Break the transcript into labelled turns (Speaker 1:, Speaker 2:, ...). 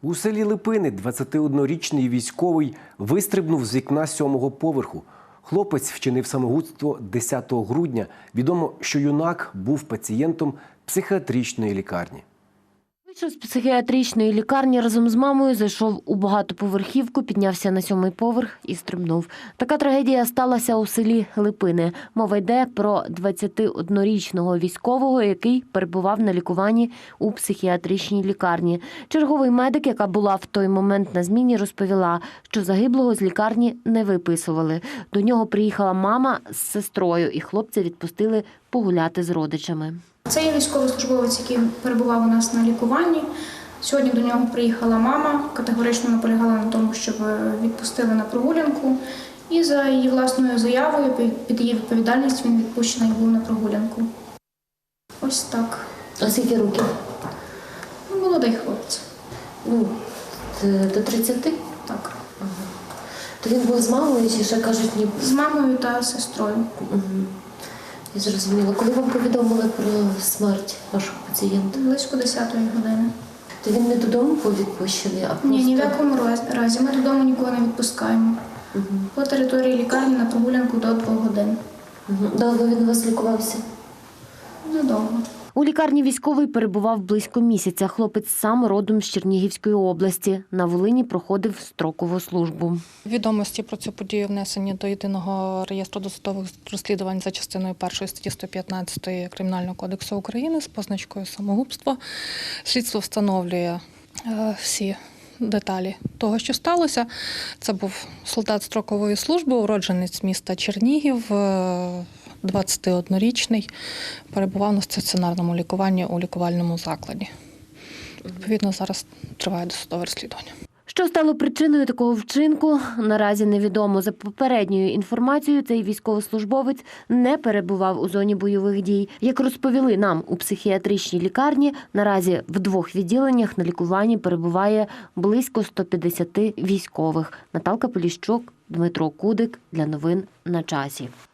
Speaker 1: У селі Липини 21-річний військовий вистрибнув з вікна 7-го поверху. Хлопець вчинив самогубство 10 грудня. Відомо, що юнак був пацієнтом психіатричної лікарні.
Speaker 2: Вийшов з психіатричної лікарні разом з мамою, зайшов у багатоповерхівку, піднявся на 7-й поверх і стрибнув. Така трагедія сталася у селі Липини. Мова йде про 21-річного військового, який перебував на лікуванні у психіатричній лікарні. Черговий медик, яка була в той момент на зміні, розповіла, що загиблого з лікарні не виписували. До нього приїхала мама з сестрою, і хлопця відпустили погуляти з родичами.
Speaker 3: Це є військовослужбовець, який перебував у нас на лікуванні. Сьогодні до нього приїхала мама, категорично наполягала на тому, щоб відпустили на прогулянку. І за її власною заявою, під її відповідальність, він відпущений був на прогулянку. Ось так.
Speaker 2: А скільки років?
Speaker 3: Молодий хлопець.
Speaker 2: До 30?
Speaker 3: Так.
Speaker 2: Ага. То він був з мамою чи ще кажуть ні?
Speaker 3: З мамою та сестрою.
Speaker 2: Угу. Я зрозуміла. Коли вам повідомили про смерть вашого пацієнта?
Speaker 3: Близько 10-ї години.
Speaker 2: То він не додому був відпущений, а просто…
Speaker 3: Ні в якому разі. Ми додому нікого не відпускаємо.
Speaker 2: Угу.
Speaker 3: По території лікарні на прогулянку до 2 годин.
Speaker 2: Угу. Довго він у вас лікувався?
Speaker 3: Недовго.
Speaker 2: У лікарні військовий перебував близько місяця. Хлопець сам родом з Чернігівської області. На Волині проходив строкову службу.
Speaker 4: Відомості про цю подію внесені до Єдиного реєстру досудових розслідувань за частиною 1 статті 115 Кримінального кодексу України з позначкою самогубство. Слідство встановлює всі деталі того, що сталося. Це був солдат строкової служби, уродженець міста Чернігів, 21-річний, перебував на стаціонарному лікуванні у лікувальному закладі. Відповідно, зараз триває досудове розслідування.
Speaker 2: Що стало причиною такого вчинку, наразі невідомо. За попередньою інформацією, цей військовослужбовець не перебував у зоні бойових дій. Як розповіли нам у психіатричній лікарні, наразі в 2 відділеннях на лікуванні перебуває близько 150 військових. Наталка Поліщук, Дмитро Кудик. Для новин на часі.